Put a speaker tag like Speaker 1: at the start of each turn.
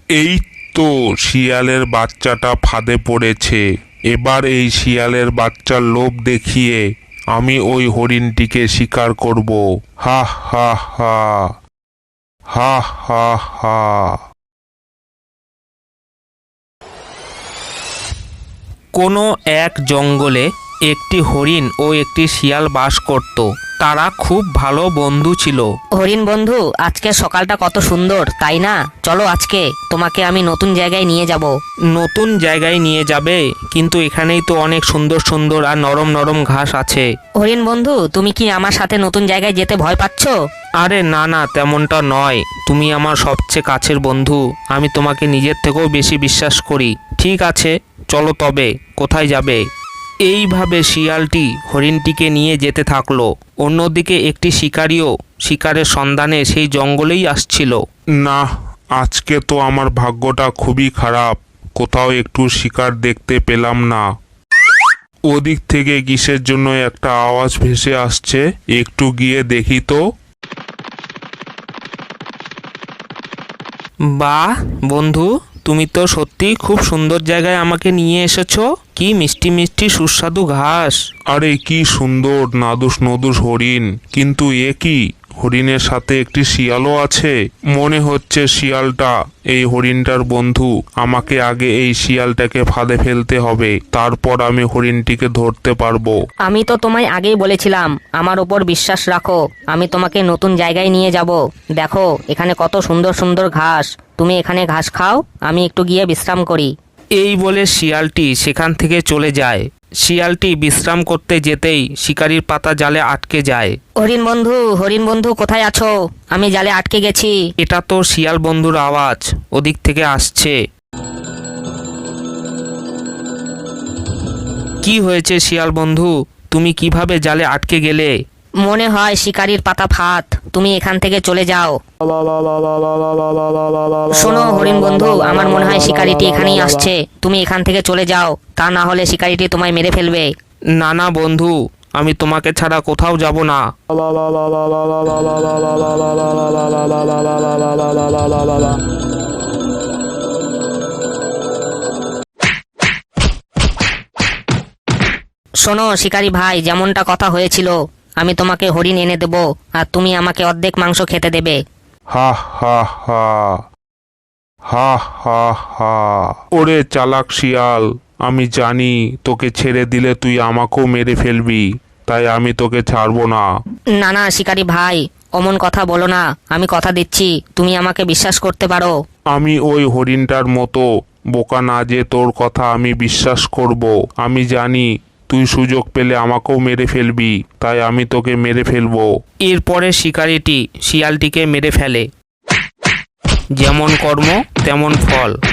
Speaker 1: এই তো শিয়ালের বাচ্চাটা ফাঁদে পড়েছে। এবার এই শিয়ালের বাচ্চার লোভ দেখিয়ে আমি ওই হরিণটিকে শিকার করব। হা হা হা, হা হা হা।
Speaker 2: কোনো এক জঙ্গলে একটি হরিণ ও একটি শিয়াল বাস করত। তারা খুব ভালো বন্ধু ছিল।
Speaker 3: হরিণ বন্ধু, আজকে সকালটা কত সুন্দর, তাই না? চলো আজকে তোমাকে আমি নতুন জায়গায় নিয়ে যাব।
Speaker 2: নতুন জায়গায় নিয়ে যাবে? কিন্তু এখানেই তো অনেক সুন্দর সুন্দর আর নরম নরম ঘাস আছে।
Speaker 3: হরিণ বন্ধু, তুমি কি আমার সাথে নতুন জায়গায় যেতে ভয় পাচ্ছ?
Speaker 2: আরে না না, তেমনটা নয়। তুমি আমার সবচেয়ে কাছের বন্ধু। আমি তোমাকে নিজের থেকেও বেশি বিশ্বাস করি। ঠিক আছে, চলো তবে। কোথায় যাবে? এইভাবে শিয়ালটি হরিণটিকে নিয়ে যেতে থাকলো। অন্যদিকে একটি শিকারিও শিকারের সন্ধানে সেই জঙ্গলেই আসছিল।
Speaker 1: না, আজকে তো আমার ভাগ্যটা খুবই খারাপ। কোথাও একটু শিকার দেখতে পেলাম না। ওদিক থেকে কিসের জন্য একটা আওয়াজ ভেসে আসছে, একটু গিয়ে দেখি তো।
Speaker 2: বাহ বন্ধু, তুমি তো সত্যি খুব সুন্দর জায়গায় আমাকে নিয়ে এসেছো। কি মিষ্টি মিষ্টি সুস্বাদু ঘাস।
Speaker 1: আরে কি সুন্দর নাদুস নদুস হরিণ, কিন্তু এ কি, হরিণের সাথে একটি শিয়ালও আছে। মনে হচ্ছে শিয়ালটা এই হরিণটার বন্ধু। আমাকে আগে এই শিয়ালটাকে ফাঁদে ফেলতে হবে, তারপর আমি হরিণটিকে ধরতে পারবো।
Speaker 3: আমি তো তোমায় আগেই বলেছিলাম আমার উপর বিশ্বাস রাখো। আমি তোমাকে নতুন জায়গায় নিয়ে যাব। দেখো এখানে কত সুন্দর সুন্দর ঘাস। তুমি এখানে ঘাস খাও, আমি একটু গিয়ে বিশ্রাম করি।
Speaker 2: এই বলে শিয়ালটি সেখান থেকে চলে যায়। শিয়ালটি বিশ্রাম করতে যেতেই শিকারির পাতা জালে আটকে যায়।
Speaker 3: হরিণ বন্ধু কোথায় আছো? আমি জালে আটকে গেছি।
Speaker 2: এটা তো শিয়াল বন্ধুর আওয়াজ, ওদিক থেকে আসছে। কি হয়েছে শিয়াল বন্ধু, তুমি কিভাবে জালে আটকে গেলে?
Speaker 3: মনে হয় শিকারির পাতা ফাঁদ, তুমি এখান থেকে চলে যাও। শোনো হরিণ বন্ধু, আমার মনে হয় শিকারিটি এখানেই আসছে। তুমি এখান থেকে চলে যাও, তা না হলে শিকারিটি তোমায় মেরে ফেলবে।
Speaker 2: না না বন্ধু, আমি তোমাকে ছাড়া কোথাও যাব না।
Speaker 3: শোনো শিকারি ভাই, যেমনটা কথা হয়েছিল, আমি তোমাকে হরিণ এনে দেব আর তুমি আমাকে অর্ধেক মাংস খেতে দেবে।
Speaker 1: হা হা হা, হা হা হা। ওরে চালাক শিয়াল, আমি জানি তোকে ছেড়ে দিলে তুই আমাকেও মেরে ফেলবি, তাই আমি তোকে ছাড়বো না।
Speaker 3: না না শিকারি ভাই, অমন কথা বলো না। আমি কথা দিচ্ছি, তুমি আমাকে বিশ্বাস করতে পারো।
Speaker 1: আমি ওই হরিণটার মতো বোকা না যে তোর কথা আমি বিশ্বাস করব। আমি জানি তুই সুযোগ পেলে আমাকেও মেরে ফেলবি, তাই আমি তোকে মেরে ফেলবো।
Speaker 2: এরপরে শিকারিটি শিয়ালটিকে মেরে ফেলে। যেমন কর্ম তেমন ফল।